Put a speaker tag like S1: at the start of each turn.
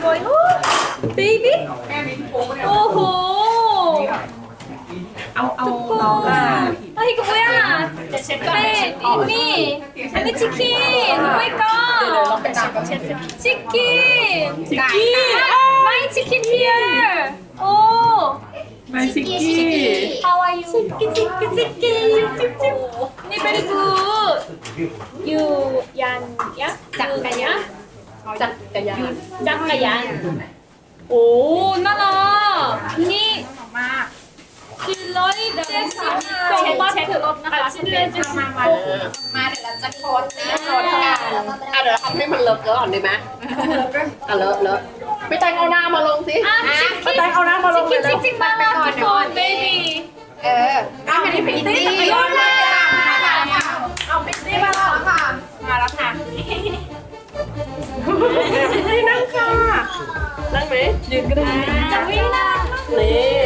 S1: going baby โอ้โห
S2: เอาน้องอ่ะ
S1: 아 이거 뭐야 네 언니 언니 치킨 오 마이 갓 치킨 마이 치킨 here 오
S2: มาซิกกี้
S1: how are you 치킨 니 very good you 얀 짝가야 짝가야 오 나나 니กินเลยเจ็ดสิบสองบาทเช็ครถนะคะชิ้นเดียวจะมาเดี๋ยวเราจะโค้ดโค้ดกัน
S3: เดี๋ยวทำให้มันเลอะก่อนดีไหมเลอะไม่แต่งเอาหน้ามาลงสิ
S1: ชิคกี้เอาน้ำมาลงเลยชิคกี้มาแล้วทุกคนเบบี้
S3: ไม่ได้พิตตี้
S1: เอาพิตตี้มาแล้วค่ะมาแล้วค่ะ
S3: ไม่นั่งค่ะนั่งไหมยืนก็ได้
S1: จะวิ่งนะ
S3: นี่